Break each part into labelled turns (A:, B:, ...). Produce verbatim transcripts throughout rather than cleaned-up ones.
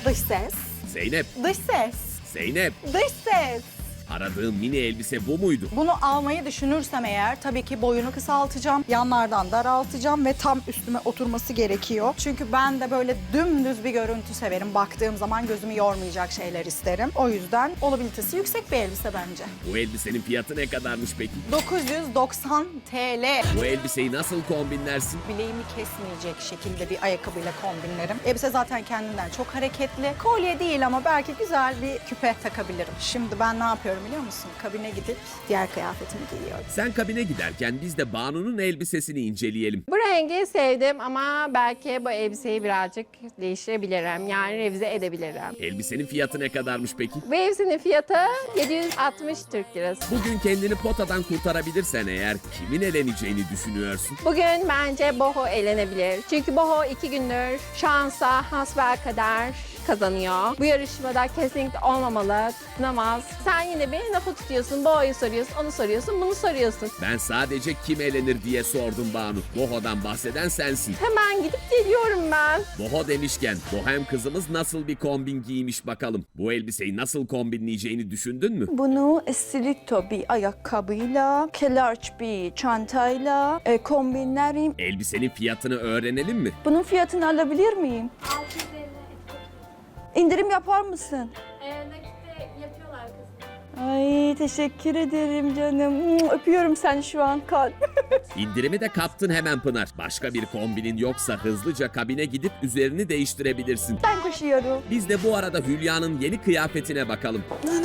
A: Dış ses.
B: Zeynep,
A: Dış ses.
B: Zeynep.
A: Dış ses.
B: Aradığım mini elbise bu muydu?
A: Bunu almayı düşünürsem eğer tabii ki boyunu kısaltacağım. Yanlardan daraltacağım ve tam üstüme oturması gerekiyor. Çünkü ben de böyle dümdüz bir görüntü severim. Baktığım zaman gözümü yormayacak şeyler isterim. O yüzden olabilitesi yüksek bir elbise bence.
B: Bu elbisenin fiyatı ne kadarmış peki?
A: dokuz yüz doksan TL.
B: Bu elbiseyi nasıl kombinlersin?
A: Bileğimi kesmeyecek şekilde bir ayakkabıyla kombinlerim. Elbise zaten kendinden çok hareketli. Kolye değil ama belki güzel bir küpe takabilirim. Şimdi ben ne yapıyorum biliyor musun? Kabine gidip diğer kıyafetimi giyiyorum.
B: Sen kabine giderken biz de Banu'nun elbisesini inceleyelim.
C: Bu rengi sevdim ama belki bu elbiseyi birazcık değiştirebilirim. Yani revize edebilirim.
B: Elbisenin fiyatı ne kadarmış peki?
C: Bu elbisenin fiyatı yedi yüz altmış Türk Lirası.
B: Bugün kendini potadan kurtarabilirsen eğer kimin eleneceğini düşünüyorsun?
C: Bugün bence Boho eğlenebilir. Çünkü Boho iki gündür şansa hasbelkader kazanıyor. Bu yarışmada kesinlikle olmamalı, tutunamaz. Sen yine beni lafı tutuyorsun, Boho'yu soruyorsun, onu soruyorsun, bunu soruyorsun.
B: Ben sadece kim elenir diye sordum Banu. Boho'dan bahseden sensin.
C: Hemen gidip geliyorum ben.
B: Boho demişken Bohem kızımız nasıl bir kombin giymiş bakalım. Bu elbiseyi nasıl kombinleyeceğini düşündün mü?
A: Bunu stiletto bir ayakkabıyla, kelarç bir çantayla e, kombinlerim.
B: Elbisenin fiyatını öğrenelim mi?
A: Bunun fiyatını alabilir miyim?
D: altı yüz elli.
A: İndirim yapar mısın?
D: Ee, nakitte yapıyorlar kızım.
A: Ay teşekkür ederim canım. Öpüyorum seni şu an. Kalp.
B: İndirimi de kaptın hemen Pınar. Başka bir kombinin yoksa hızlıca kabine gidip üzerini değiştirebilirsin.
A: Ben koşuyorum.
B: Biz de bu arada Hülya'nın yeni kıyafetine bakalım.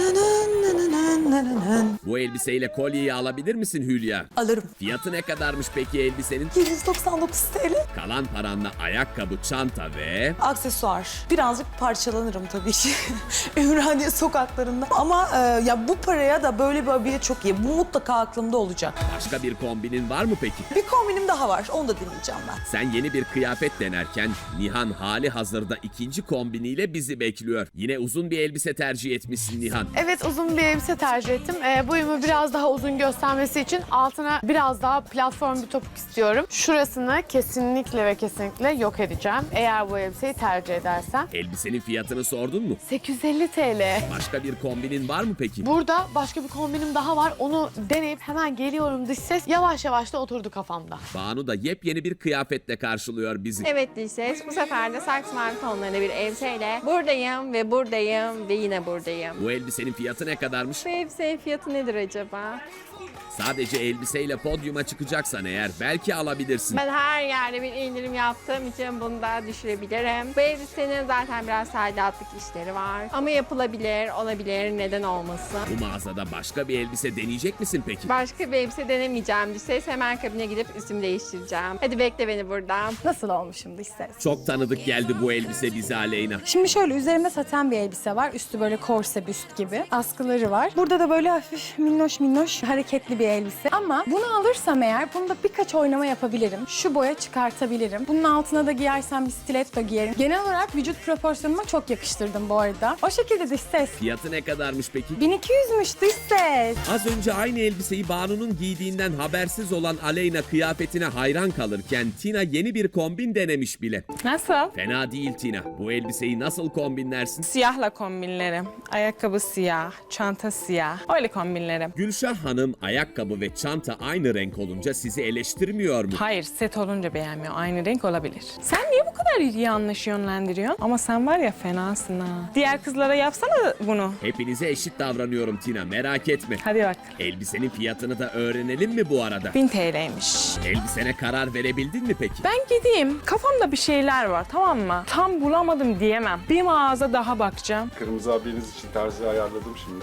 B: Bu elbiseyle kolyeyi alabilir misin Hülya?
E: Alırım.
B: Fiyatı ne kadarmış peki elbisenin?
E: yedi yüz doksan dokuz T L.
B: Kalan paranla ayakkabı, çanta ve...
E: Aksesuar. Birazcık parçalanırım tabii ki. Ümraniye sokaklarında. Ama e, ya bu paraya da böyle bir abiye çok iyi. Bu mutlaka aklımda olacak.
B: Başka bir kombinin var mı peki?
E: Bir kombinim daha var. Onu da dinleyeceğim ben.
B: Sen yeni bir kıyafet denerken Nihan hali hazırda ikinci kombiniyle bizi bekliyor. Yine uzun bir elbise tercih etmişsin Nihan.
F: Evet, uzun bir elbise tercih ettim. Ee, boyumu biraz daha uzun göstermesi için altına biraz daha platform bir topuk istiyorum. Şurasını kesinlikle ve kesinlikle yok edeceğim. Eğer bu elbiseyi tercih edersem.
B: Elbisenin fiyatını sordun mu?
F: sekiz yüz elli T L.
B: Başka bir kombinin var mı peki?
F: Burada başka bir kombinim daha var. Onu deneyip hemen geliyorum dış ses. Yavaş yavaş da oturdu kafamda.
B: Banu da yepyeni bir kıyafetle karşılıyor bizi.
C: Evet Dilses, bu sefer de saks mavi tonlarında bir elbiseyle buradayım ve buradayım ve yine buradayım.
B: Bu elbisenin fiyatı ne kadarmış?
C: Bu elbisenin fiyatı nedir acaba?
B: Sadece elbiseyle podyuma çıkacaksan eğer belki alabilirsin.
C: Ben her yerde bir indirim yaptığım için bunu da düşürebilirim. Bu elbisenin zaten biraz tadilatlık işleri var. Ama yapılabilir, olabilir, neden olmasın.
B: Bu mağazada başka bir elbise deneyecek misin peki?
C: Başka bir elbise denemeyeceğim Dilses. Hemen kabine gidip üstümü değiştireceğim. Hadi bekle beni burada.
A: Nasıl olmuşum dış ses?
B: Çok tanıdık geldi bu elbise bize Aleyna.
G: Şimdi şöyle üzerimde saten bir elbise var. Üstü böyle korse büst gibi. Askıları var. Burada da böyle hafif minnoş minnoş hareketli bir elbise. Ama bunu alırsam eğer bunda birkaç oynama yapabilirim. Şu boya çıkartabilirim. Bunun altına da giyersem bir stiletto giyerim. Genel olarak vücut proporsiyonuma çok yakıştırdım bu arada. O şekilde dış ses.
B: Fiyatı ne kadarmış peki?
G: bin iki yüzmüş dış ses.
B: Az önce aynı elbiseyi Banu'nun giydiğinden habersiz olan Aleyna kıyafetine hayran kalırken Tina yeni bir kombin denemiş bile.
H: Nasıl?
B: Fena değil Tina. Bu elbiseyi nasıl kombinlersin?
H: Siyahla kombinlerim. Ayakkabı siyah, çanta siyah. Öyle kombinlerim.
B: Gülşah Hanım ayakkabı ve çanta aynı renk olunca sizi eleştirmiyor mu?
H: Hayır, set olunca beğenmiyor. Aynı renk olabilir. Sen niye bu kadar yanlış yönlendiriyorsun? Ama sen var ya fenasın ha. Diğer kızlara yapsana bunu.
B: Hepinize eşit davranıyorum Tina, merak etme.
H: Hadi bak.
B: Elbisenin fiyatını da öğrenelim mi bu arada?
H: bin T L'ymiş.
B: Elbisene karar verebildin mi peki?
H: Ben gideyim. Kafamda bir şeyler var, tamam mı? Tam bulamadım diyemem. Bir mağaza daha bakacağım.
I: Kırmızı abiniz için terzi ayarladım şimdi.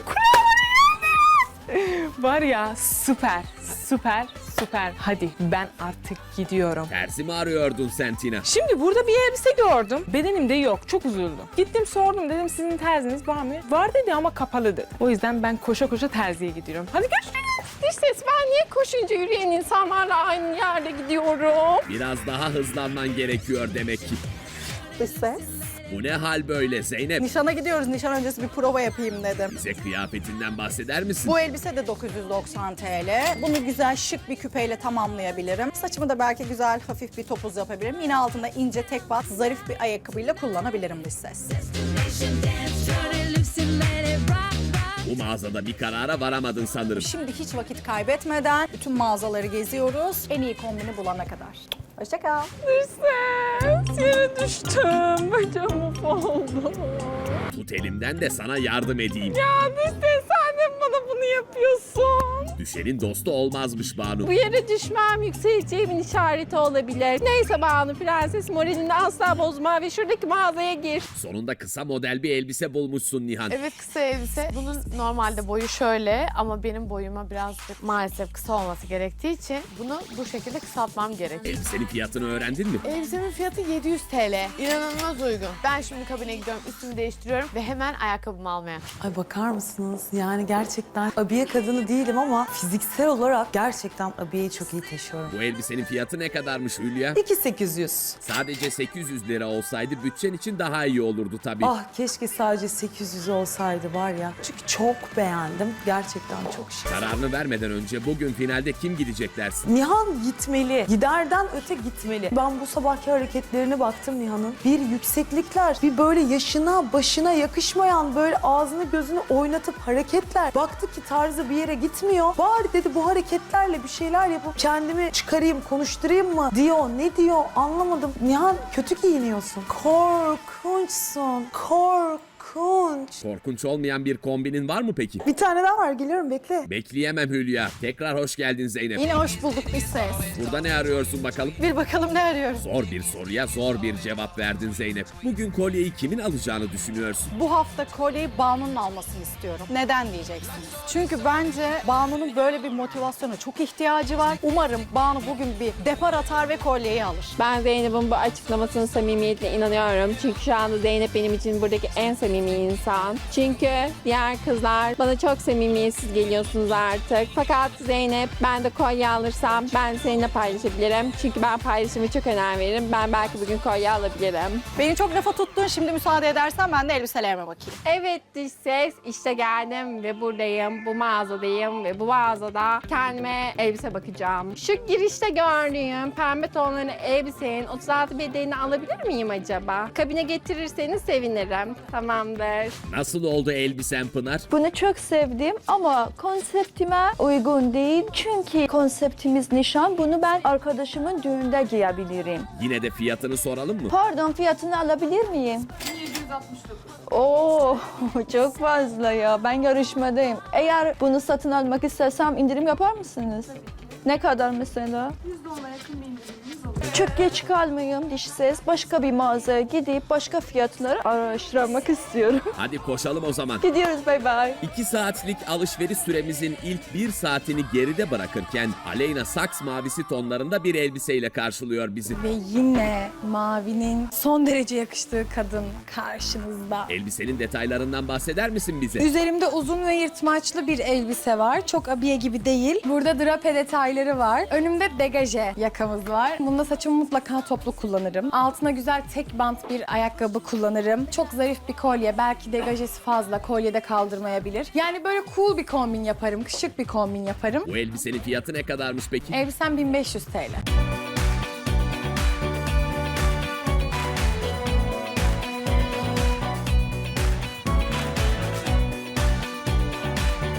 H: Var ya süper, süper, süper. Hadi ben artık gidiyorum.
B: Terzi mi arıyordun sen Tina?
H: Şimdi burada bir elbise gördüm. Bedenimde yok. Çok üzüldüm. Gittim sordum. Dedim sizin terziniz var mı? Var dedi ama kapalı dedi. O yüzden ben koşa koşa terziye gidiyorum. Hadi görüşürüz.
C: Dış ses, ben niye koşunca yürüyen insanlarla aynı yerde gidiyorum?
B: Biraz daha hızlanman gerekiyor demek ki.
A: Dış ses.
B: Bu ne hal böyle Zeynep?
A: Nişana gidiyoruz. Nişan öncesi bir prova yapayım dedim.
B: Bize kıyafetinden bahseder misin?
A: Bu elbise de dokuz yüz doksan TL. Bunu güzel şık bir küpeyle tamamlayabilirim. Saçımı da belki güzel hafif bir topuz yapabilirim. Yine altında ince tek bat zarif bir ayakkabıyla kullanabilirim dış ses.
B: Bu mağazada bir karara varamadın sanırım.
A: Şimdi hiç vakit kaybetmeden bütün mağazaları geziyoruz. En iyi kombini bulana kadar. Hoşça kal.
C: Ses, yere düştüm. Bacağım mahvoldu.
B: Tut elimden de sana yardım edeyim.
C: Ya Ses, sen de bana bunu yapıyorsun.
B: Düşenin dostu olmazmış Banu.
C: Bu yere düşmem yükseleceğimin işareti olabilir. Neyse Banu prenses moralini asla bozma ve şuradaki mağazaya gir.
B: Sonunda kısa model bir elbise bulmuşsun Nihan.
F: Evet, kısa elbise. Bunun normalde boyu şöyle ama benim boyuma birazcık maalesef kısa olması gerektiği için bunu bu şekilde kısaltmam gerekiyor.
B: Elbisenin fiyatını öğrendin mi?
F: Elbisemin fiyatı yedi yüz TL. İnanılmaz uygun. Ben şimdi kabine gidiyorum, üstümü değiştiriyorum ve hemen ayakkabımı almaya.
E: Ay bakar mısınız? Yani gerçekten abiye kadını değilim ama fiziksel olarak gerçekten abiyeyi çok iyi taşıyorum.
B: Bu elbisenin fiyatı ne kadarmış Hülya?
E: iki bin sekiz yüz.
B: Sadece sekiz yüz lira olsaydı bütçen için daha iyi olurdu tabii.
E: Ah keşke sadece sekiz yüz olsaydı var ya. Çünkü çok beğendim. Gerçekten çok şık.
B: Kararını vermeden önce bugün finalde kim gidecek dersin?
E: Nihan gitmeli. Giderden öte gitmeli. Ben bu sabahki hareketlerine baktım Nihan'ın. Bir yükseklikler, bir böyle yaşına, başına yakışmayan böyle ağzını gözünü oynatıp hareketler. Baktı ki tarzı bir yere gitmiyor. Bari dedi bu hareketlerle bir şeyler yapıp kendimi çıkarayım, konuşturayım mı diyor. Ne diyor anlamadım. Nihan kötü giyiniyorsun. Korkunçsun. Korkunç.
B: Korkunç olmayan bir kombinin var mı peki?
E: Bir tane daha var. Geliyorum bekle.
B: Bekleyemem Hülya. Tekrar hoş geldin Zeynep.
A: Yine hoş bulduk dış ses.
B: Burada ne arıyorsun bakalım?
A: Bir bakalım ne arıyoruz.
B: Zor bir soruya zor bir cevap verdin Zeynep. Bugün kolyeyi kimin alacağını düşünüyorsun?
A: Bu hafta kolyeyi Banu'nun almasını istiyorum. Neden diyeceksiniz? Çünkü bence Banu'nun böyle bir motivasyona çok ihtiyacı var. Umarım Banu bugün bir depar atar ve kolyeyi alır.
C: Ben Zeynep'in bu açıklamasının samimiyetine inanıyorum. Çünkü şu anda Zeynep benim için buradaki en samimi insan. Çünkü diğer kızlar bana çok samimiyetsiz geliyorsunuz artık. Fakat Zeynep ben de kolye alırsam ben seninle paylaşabilirim. Çünkü ben paylaşımı çok önem veririm. Ben belki bugün kolye alabilirim.
A: Beni çok lafa tuttun. Şimdi müsaade edersen ben de elbiselerime bakayım.
C: Evet dış ses işte geldim ve buradayım. Bu mağazadayım ve bu mağazada kendime elbise bakacağım. Şu girişte gördüğüm pembe tonlarını elbisenin otuz altı bedenini alabilir miyim acaba? Kabine getirirseniz sevinirim. Tamamdır.
B: Nasıl oldu elbisen Pınar?
J: Bunu çok sevdim ama konseptime uygun değil. Çünkü konseptimiz nişan. Bunu ben arkadaşımın düğünde giyebilirim.
B: Yine de fiyatını soralım mı?
J: Pardon, fiyatını alabilir miyim? yedi yüz altmış dokuz. Oo, çok fazla ya. Ben yarışmadayım. Eğer bunu satın almak istersem indirim yapar mısınız? Tabii ki. Ne kadar mesela?
D: yüz dolara yakın bir indirimimiz olur.
J: Çok geç kalmayayım diş ses. Başka bir mağazaya gidip başka fiyatları araştırmak istiyorum.
B: Hadi koşalım o zaman.
J: Gidiyoruz, bay bay.
B: İki saatlik alışveriş süremizin ilk bir saatini geride bırakırken Aleyna saks mavisi tonlarında bir elbiseyle karşılıyor bizi.
G: Ve yine mavinin son derece yakıştığı kadın karşınızda.
B: Elbisenin detaylarından bahseder misin bize?
G: Üzerimde uzun ve yırtmaçlı bir elbise var. Çok abiye gibi değil. Burada drape detayları var. Önümde degaje yakamız var. Bunda saçımı mutlaka toplu kullanırım. Altına güzel tek bant bir ayakkabı kullanırım. Çok zarif bir kolye. Belki degajesi fazla. Kolyede kaldırmayabilir. Yani böyle cool bir kombin yaparım. Şık bir kombin yaparım.
B: Bu elbisenin fiyatı ne kadarmış peki?
G: Elbisem bin beş yüz TL.